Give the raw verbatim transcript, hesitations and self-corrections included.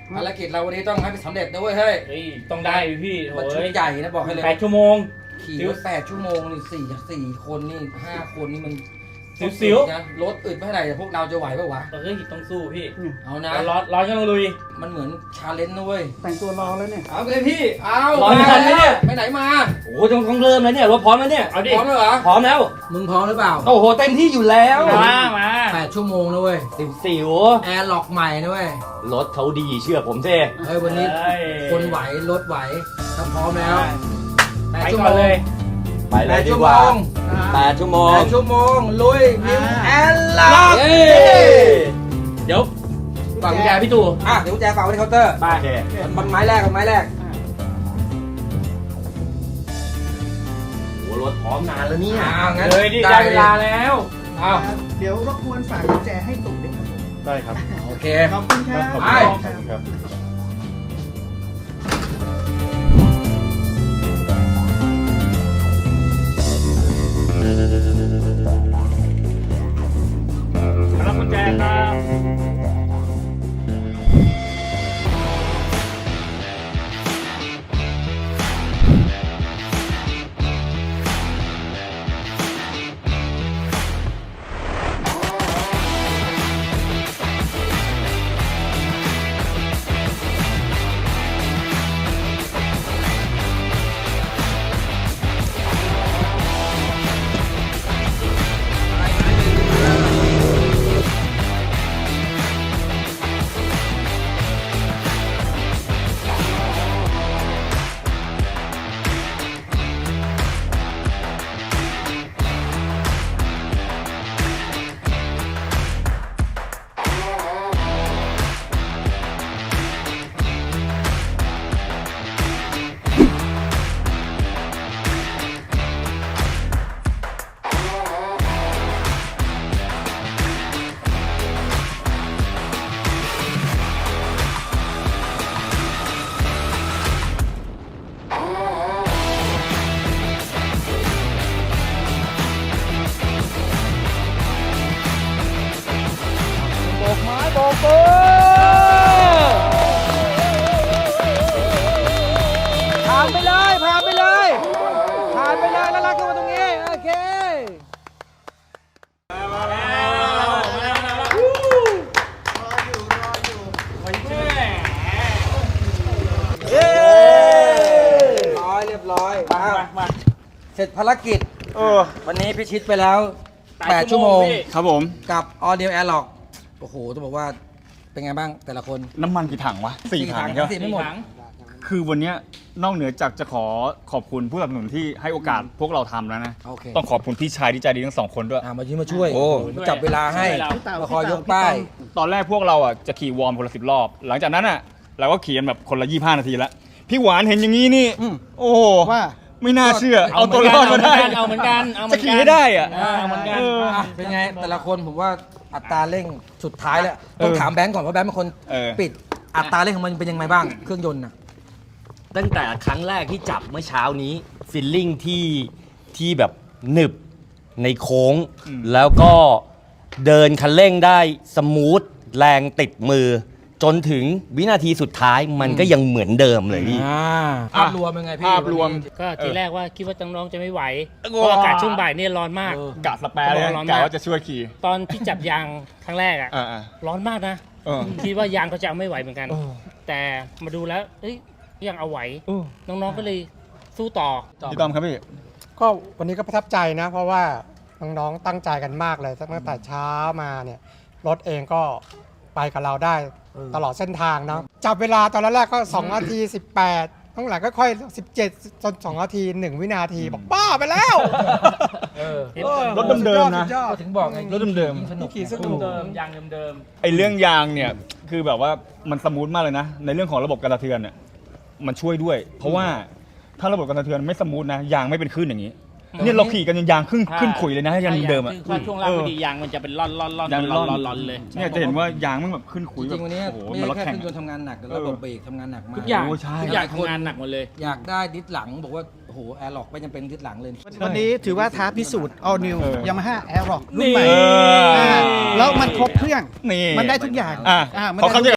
ภารกิจเราวันนี้ต้องให้สำเร็จนะเว้ยเฮ้ยเฮ้ยต้องได้พี่มันโอ้ชุดยใหญ่นะบอกให้เลยแปดชั่วโมงขี่รถแปดชั่วโมงนี่สี่สี่คนนี่ห้าคนนี่มันสิวๆนะรถอึดไม่เท่าไหร่แต่พวกเราจะไหวปะวะเฮ้ยต้องสู้พี่เอานะร้อนร้อนก็ต้องลุยมันเหมือนชาเลนจ์นะเว้ยแต่งตัวรอแล้วเนี่ยเอาไปเลยพี่เอาร้อนทันไหมเนี่ยไปไหนมาโอ้ต้องต้องเริ่มแล้วเนี่ยรถพร้อมแล้วเนี่ยเอาดิพร้อมแล้วเหรอพร้อมแล้วมึงพร้อมหรือเปล่าโอ้โหเต็มที่อยู่แล้ว มามาแปดชั่วโมงนะเว้ยสิวสิวแอร์ล็อกใหม่นะเว้ยรถเขาดีเชื่อผมสิเฮ้ยวันนี้เฮ้ยคนไหวรถไหวถ้าพร้อมแล้วแปดไปชั่วก่โมอนงเลยไปเลแปยดดีชั่วกโมว่าง แปดชั่วโมแปงดชั่วโมงลุยมิวแอร์ล็อกเฮ้ยเดี๋ยวฝากกุญแจพี่ตู่อ่ะเดี๋ยวกุญแจฝากไว้ที่เคาน์เตอร์ไปโอเคมันไม้แรกกับไม้แรกโอ้รถพร้อมนานแล้วเนี่ยอ้าวงั้นเลยดิได้เวลาแล้วเอาเดี๋ยวรบกวนฝากกุญแจให้ตุ่มด้วยครับผมได้ครับโอเคขอบคุณครับไปครับรับกุญแจครับโบกไม้โบกมือผ่านไปเลยผ่านไปเลยผ่านไปเลยแล้วลากขึ้นมาตรงนี้โอเคมาแล้วมาแล้วมาแล้วรออยู่รออยู่เย้ร้อยเรียบร้อยมาอ้าวมามาเสร็จภารกิจโอ้วันนี้พิชิตไปแล้วแปดแปดชั่ชั่ววโมโมงงพี่ครับผมกับ All New Airlock โอ้โหต้องบอกว่าเป็นไงบ้างแต่ละคนน้ำมันกี่ถังวะสี่ถังใช่ไหมสี่ไม่หมดถังคือวันเนี้ยนอกเหนือจากจะขอขอบคุณผู้สนับสนุนที่ให้โอกาสพวกเราทำแล้วนะโอเคต้องขอบคุณพี่ชายที่ใจดีทั้งสองคนด้วยอ่ามายืนมาช่วยโอ้มาจับเวลาให้ช่วยเรามาคอยยกป้ายตอนแรกพวกเราอ่ะจะขี่วอร์มคนละสิบรอบ หลังจากนั้นอ่ะเราก็ขี่กันแบบคนละยี่ห้านาทีแล้ว พี่หวานเห็นอย่างนี้นี่อืมโอ้โหว่าไม่น่าเชื่อ เอาตัวรอดมาได้เอาเหมือนกันเอาเหมืจะอนกันขี่ให้ได้อ่ะเอาเหมือนกันเอออ่ะเป็นไงแต่ละคนผมว่าอัตราเร่งสุดท้ายแล้วต้องเออถามแบงก์ก่อนเพราะแบงก์เป็นคนเออปิดอัตราเร่งของมันเป็นยังไงบ้างเครื่องยนต์น่ะตั้งแต่ครั้งแรกที่จับเมื่อเช้านี้ฟิลลิ่งที่ที่แบบหนึบในโค้งอืมแล้วก็เดินคันเร่งได้สมูทแรงติดมือ จนถึงวินาทีสุดท้ายมันก็ยังเหมือนเดิมเลยพี่อ่าภาพรวมเป็นไงพี่ภาพรวมก็ทีแรกว่าคิดว่าน้องๆจะไม่ไหวเออเพราะอากาศช่วงบ่ายเนี่ยร้อนมากเออกะสแปร์เลยนะร้อนมากกะว่าจะช่วยขี่ตอนที่จับยางครั้งแรกอ่ะอ่าร้อนมากนะเออคิดว่ายางเขาจะเอาไม่ไหวเหมือนกัน แต่มาดูแล้วเอ้ยยังเอาไหว น้องๆก็เลยสู้ต่อพี่ต้อมครับพี่ก็วันนี้ก็ประทับใจนะ เพราะว่าน้องๆตั้งใจกันมากเลยตั้งแต่เช้ามาเนี่ยรถเองก็ไปกับเราได้ตลอดเส้นทางเนาะจับเวลาตอนแรกก็สองนาทีสิบแปดข้างหลังก็ค่อยสิบเจ็ดจนสองนาทีหนึ่งวินาทีบอกบ้าไปแล้วเออรถเดิมๆนะสุยอก็ดถึงบอกไงรถเดิมๆสนุกขี่สนุกเดิมยางเดิมไอเรื่องยางเนี่ยคือแบบว่ามันสมูทมากเลยนะ ในเรื่องของระบบการสะเทือนเนี่ยมันช่วยด้วย เพราะว่าถ้าระบบการสะเทือนไม่สมูทนะยางไม่เป็นคลื่นอย่างนี้เนี่ยเราขี่กันยังยางขึ้นขึ้นขุยเลยนะๆยางเดิมอ่ะถ้าช่วงล่างไม่ดียางมันจะเป็นร่อนร่อนร่อนยางร่ร่ออน นร่อนร่อนเลยเนี่ยจะเห็นว่ายางมันแบบขึ้นขุยจแบริบงๆวันนี้โอ้โหไม่มันรถใช่แค่แข่เคงรื่องยนต์ทำงานหนักแต่ระบบเบรกทำงานหนักมากทุกอย่างโอ้ใช่ทุกอย่างทำงานหนักหมดเลยอยากได้ดิสหลังบอกว่าโอ้โหแอร์ล็อกไม่จำเป็นดิสหลังเลยวันนี้ถือว่าท้าพิสูจน์ All New เออ Yamaha Aerox รุ่นใหม่เอออ่าแล้วมันครบเครื่องนี่มันได้ทุกอย่างอ่ะอ่ามันขอได้คำทุกเดียว